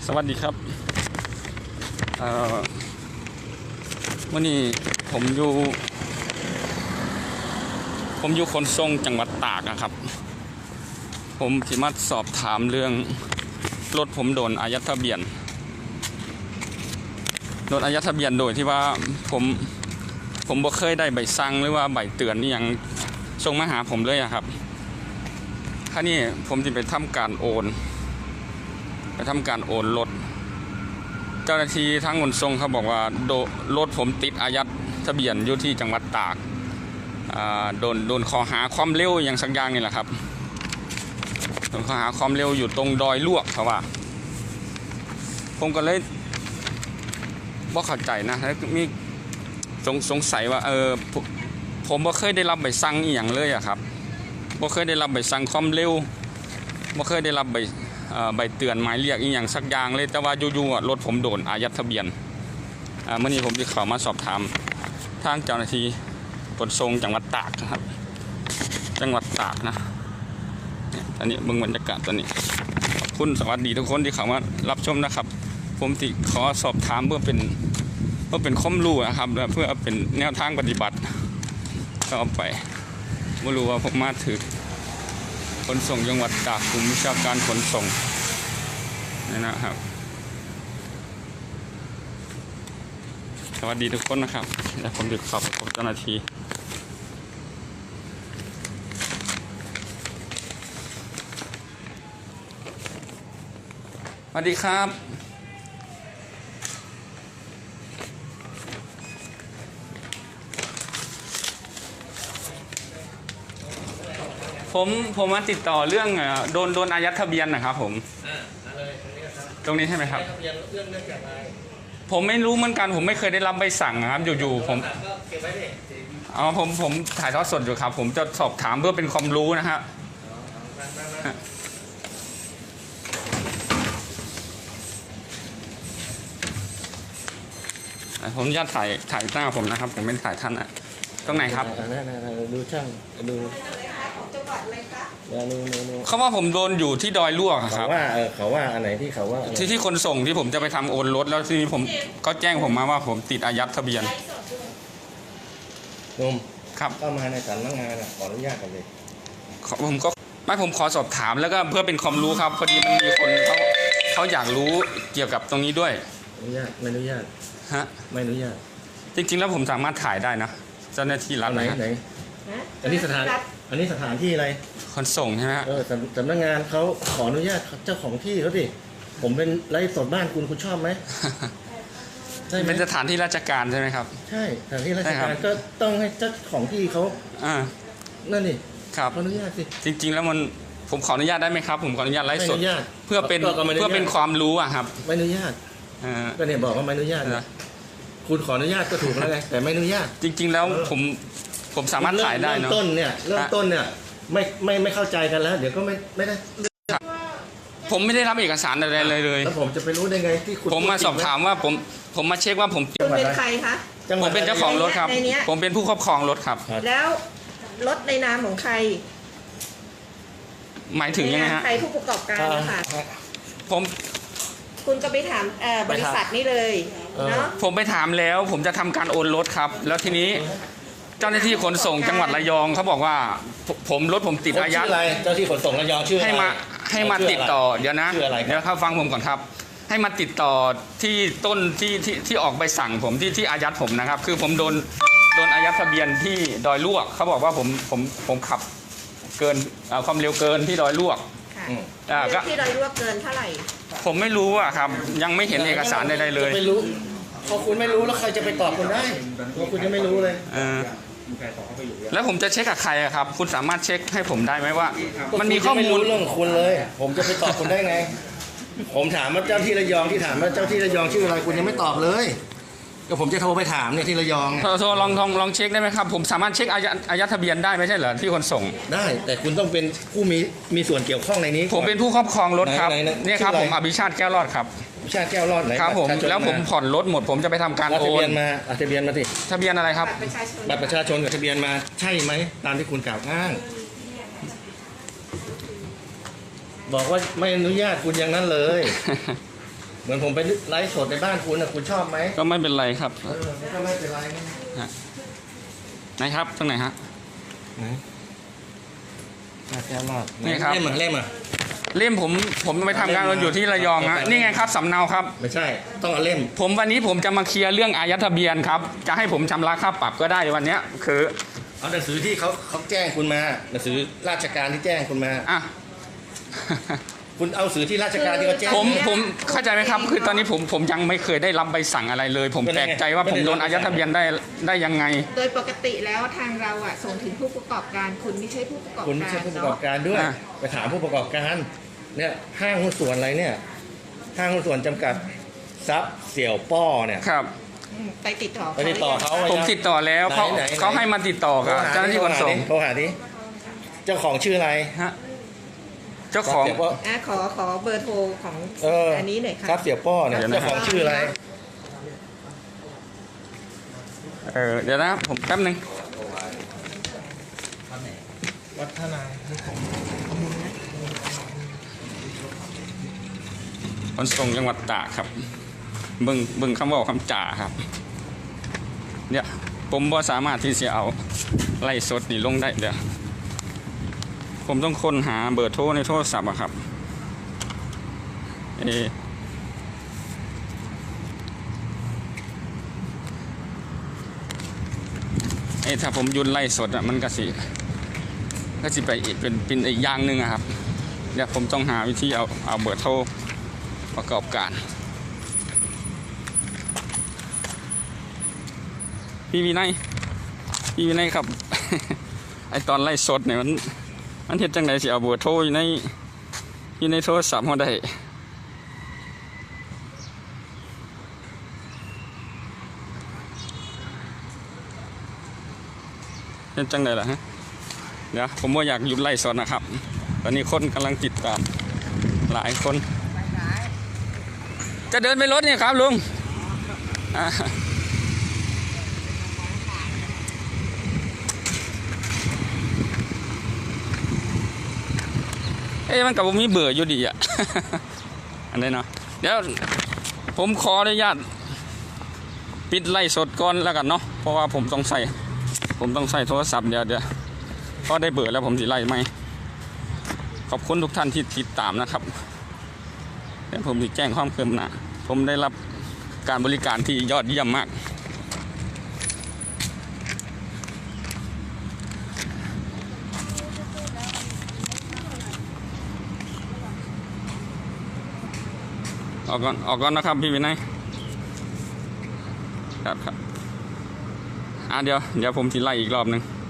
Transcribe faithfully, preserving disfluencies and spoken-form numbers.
สวัสดีครับวันนี้ผมอยู่ผมอยู่ขนส่งจังหวัดตากนะครับ ผมที่มาสอบถามเรื่องรถผมโดนอายัดทะเบียนโดนอายัดทะเบียนโดยที่ว่าผมผมบ่เคยได้ใบสั่งหรือว่าใบเตือนนี่ยังส่งมาหาผมเลยอะครับท่านี้ผมจะไปทำการโอนไปทำการโอนรถเจ้าหน้าที่ทางขนส่งเขาบอกว่าโดรถผมติดอายัดทะเบียนอยู่ที่จังหวัดตากโดนโดนข้อหาความเร็วอย่างสักอย่างนี่แหละครับโดนข้อหาความเร็วอยู่ตรงดอยลวกเขาว่าผมก็เลยบ่เข้าใจนะแล้วมีสงสงสัยว่าเออผมบ่เคยได้รับใบสั่งอีหยังเลยอะครับบ่เคยได้รับใบสั่งความเร็วบ่เคยได้รับใบใบเตือนหมายเรียกอีหยังสักอย่างเลยแต่ว่าอยู่ๆรถผมโดนอายัดทะเบียนเมื่อนี้ผมจะเข้ามาสอบถามทางเจ้าหน้าที่ขนส่งจังหวัดตากนะครับจังหวัดตากนะตอนนี้เบิ่งบรรยากาศตอนนี้ขอบคุณสวัสดีทุกคนที่เข้ามารับชมนะครับผมติขอสอบถามเพื่อเป็นเพื่อเป็นข้อมูลนะครับและเพื่อเป็นแนวทางปฏิบัติต่อไปไม่รู้ว่าผมมาถึงขนส่งจังหวัดตากกลุ่มวิชาการขนส่งนี่นะครับสวัสดีทุกคนนะครับและผมจะขอบคุณเจ้าหน้าที่สวัสดีครับผมผมมาติดต่อเรื่องโดนโดนอายัดทะเบียนนะครับผมตรงนี้ใช่ไหมครับผมไม่รู้เหมือนกันผมไม่เคยได้รับใบสั่งครับอยู่ๆผมอ๋อผมผมถ่ายทอดสดอยู่ครับผมจะสอบถามเพื่อเป็นความรู้นะฮะผมจะถ่ายถ่ายหน้าผมนะครับผมไม่ถ่ายท่านอ่ะตรงไหนครับดูช่างดูเขาว่าผมโดนอยู่ที่ดอยลวกครับเขาว่าเออเขาว่าอันไหนที่เขาว่าที่ที่คนส่งที่ผมจะไปทำโอนรถแล้วทีนี้ผมก็แจ้งผมมาว่าผมติดอายัดทะเบียนนุ่มครับเข้ามาในสำนักงานขออนุญาตกันเลยผมก็ไม่ผมขอสอบถามแล้วก็เพื่อเป็นความรู้ครับพอดีมันมีคนเขาเขาอยากรู้เกี่ยวกับตรงนี้ด้วยอนุญาตไม่อนุญาตฮะไม่อนุญาตจริงๆแล้วผมสามารถถ่ายได้นะเจ้าหน้าที่รัฐไหนไหนอันนี้สถานอันนี้สถานที่อะไรขนส่งใช่ไหมฮะเออสำนักงานเขาขออนุญาตเจ้าของที่เขาดิผมเป็นไร่สดบ้านคุณคุณชอบไหมใช่เป็นสถานที่ราชการใช่ไหมครับใช่สถานที่ราชการก็ต้องให้เจ้าของที่เขาอ่านั่นนี่ครับขออนุญาตสิจริงๆแล้วมันผมขออนุญาตได้ไหมครับผมขออนุญาตไลฟ์สดเพื่อเป็นเพื่อเป็นความรู้อะครับไม่อนุญาตก็เนี่ยบอกว่าไม่อนุญาตนะคุณขออนุญาตก็ถูกแล้วไงแต่ไม่อนุญาตจริงๆแล้วผมผมสามารถถ่ายได้เนาะเริ่มต้นเนี่ยเริ่มต้นเนี่ยไม่ไม่ไม่เข้าใจกันแล้วเดี๋ยวก็ไม่ไม่ได้ผมไม่ได้รับเอกสารอะไรเลยเลยแล้วผมจะไปรู้ได้ไงที่คุณผมมาสอบถามว่าผมผมมาเช็คว่าผมเป็นใครคะผมเป็นเจ้าของรถครับผมเป็นผู้ครอบครองรถครับแล้วรถในนามของใครหมายถึงยังไงฮะใครผู้ประกอบการนะคะผมคุณก็ไปถามบริษัทนี้เลยเนาะผมไปถามแล้วผมจะทำการโอนรถครับแล้วทีนี้เจ้าหน้าที่ขนส่งจังหวัดระยองเขาบอกว่าผมรถผมติดอายัดอะไรเจ้าที่ขนส่งระยองชื่ออะไรให้มาให้มาติดต่อเดี๋ยวนะเดี๋ยวเขาฟังผมก่อนครับให้มาติดต่อที่ต้นที่ที่ที่ออกใบสั่งผมที่ที่อายัดผมนะครับคือผมโดนโดนอายัดทะเบียนที่ดอยลวกเขาบอกว่าผมผมผมขับเกินความเร็วเกินที่ดอยลวกที่ดอยลวกเกินเท่าไหร่ผมไม่รู้อะครับยังไม่เห็นเอกสารใดๆเลยไม่รู้พอคุณไม่รู้แล้วใครจะไปตอบคุณได้พอคุณจะไม่รู้เลยแล้วผมจะเช็คกับใครครับคุณสามารถเช็คให้ผมได้ไหมว่ามันมีข้อมูลเรื่องคุณเลยผมจะไปตอบคุณได้ไงผมถามว่าเจ้าที่ระยองที่ถามว่าเจ้าที่ระยองชื่ออะไรคุณยังไม่ตอบเลยก็ผมจะโทรไปถามเนี่ยที่ระยองโทรลองลองลองเช็คได้ไหมครับผมสามารถเช็คอายัดอายัดทะเบียนได้ไม่ใช่เหรอที่คนส่งได้แต่คุณต้องเป็นผู้มีมีส่วนเกี่ยวข้องในนี้ผมเป็นผู้ครอบครองรถครับนี่ครับผมอภิชาติแก้วรอดครับอภิชาติแก้วรอดไหนครับผมแล้วผมผ่อนรถหมดผมจะไปทำการโอนทะเบียนมาทะเบียนมาสิทะเบียนอะไรครับบัตรประชาชนกับทะเบียนมาใช่ไหมตามที่คุณกล่าวอ้างบอกว่าไม่อนุญาตคุณอย่างนั้นเลยเหมือนผมไปไลฟ์สดในบ้านคุณนะคุณชอบไหมก็ไม่เป็นไรครับเออก็ไม่เป็นไรนะไหนครับตรงไหนฮะไหนน่าแก้วรอดนี่ครับเล่มอ่ะเล่มอ่ะเล่มผมผมไปทำงานอยู่ที่ระยองฮะนี่ไงครับสำเนาครับไม่ใช่ ต้องเอาเล่มผมวันนี้ผมจะมาเคลียร์เรื่องอายัดทะเบียนครับ จะให้ผมชำระค่าปรับก็ได้วันเนี้ยคือเอาหนังสือที่เขาเขาแจ้งคุณมาหนังสือราชการที่แจ้งคุณมาอ่ะคุณเอาหนังสือที่ราชการที่เขาแจ้งผมผมเข้าใจไหมครับ คือตอนนี้ผมผมยังไม่เคยได้รับใบสั่งอะไรเลย ผมแปลกใจว่าผมโดนอายัดทะเบียนได้ได้ยังไงโดยปกติแล้วทางเราอ่ะส่งถึงผู้ประกอบการคุณไม่ใช่ผู้ประกอบคุณไม่กาใช่รผู้ประกอบเนาะการด้วยอ่ะไปถามผู้ประกอบการ เนี่ยห้างหุ้นส่วนอะไรเนี่ย ห้างหุ้นส่วนจำกัดทรัพย์เสี่ยวป้อเนี่ยครับอืมไปติดต่อไปติดต่อเขาผมติดต่อแล้วเขาไหนไหนไหนเขาให้มาติดต่อกับเจ้าหน้าที่ขนส่งโทรหาดิเจ้าของชื่ออะไรฮะเจ้าของทรัพย์เสี่ยวป้ออ่ะขอขอเบอร์โทรของเอออันนี้หน่อยค่ะทรัพย์เสี่ยวป้อเนี่ยเดี๋ยวนะเจ้าของชื่ออะไรเออเดี๋ยวนะผมแป๊บนึงวัฒนาขนส่งจังหวัดตากครับเบึงเบึงคำเว่าคำจ่าครับ เนี่ยผมบ่สามารถที่จะเอาไล่สดนี่ลงได้เดี๋ยวผมต้องค้นหาเบอร์โทรในโทรศัพท์อะครับเออเอ้ถ้าผมหยุดไล่สดอะมันก็สิก็สิไปอีกเป็นเป็นอีกอย่างหนึ่งอะครับเดี๋ยวผมต้องหาวิธีเอาเอาเบอร์โทรประกอบการพี่วินัยพี่วินัยครับ ไอตอนไล่สดเนี่ยมันมันเฮ็ดจังไดสิเอาเบอร์โทรอยู่ในอยู่ในโทรศัพท์เฮาได้เฮ็ดจังไดล่ะฮะเดี๋ยวผมว่าอยากหยุดไล่สดนะครับ ตอนนี้คนกำลังติดตามหลายคน จะเดินไปรถเนี่ยครับลุงอ่าเอ้ยมันกับผมมีเบื่ออยู่ดีอ่ะ อันนี้เนาะเดี๋ยวผมขออนุญาตปิดไล่สดก่อนแล้วกันเนาะเพราะว่าผมต้องใส่ผมต้องใส่โทรศัพท์เดี๋ยวเดี๋ยวพอได้เบื่อแล้วผมสิไล่ไหมขอบคุณทุกท่านที่ติดตามนะครับเดี๋ยวผมจะแจ้งความคืบหน้าผมได้รับการบริการที่ยอดเยี่ยมมากออกก่อนออกก่อนนะครับพี่วินัยครับครับอ่ะเดี๋ยวเดี๋ยวผมจะไล่อีกรอบหนึ่ง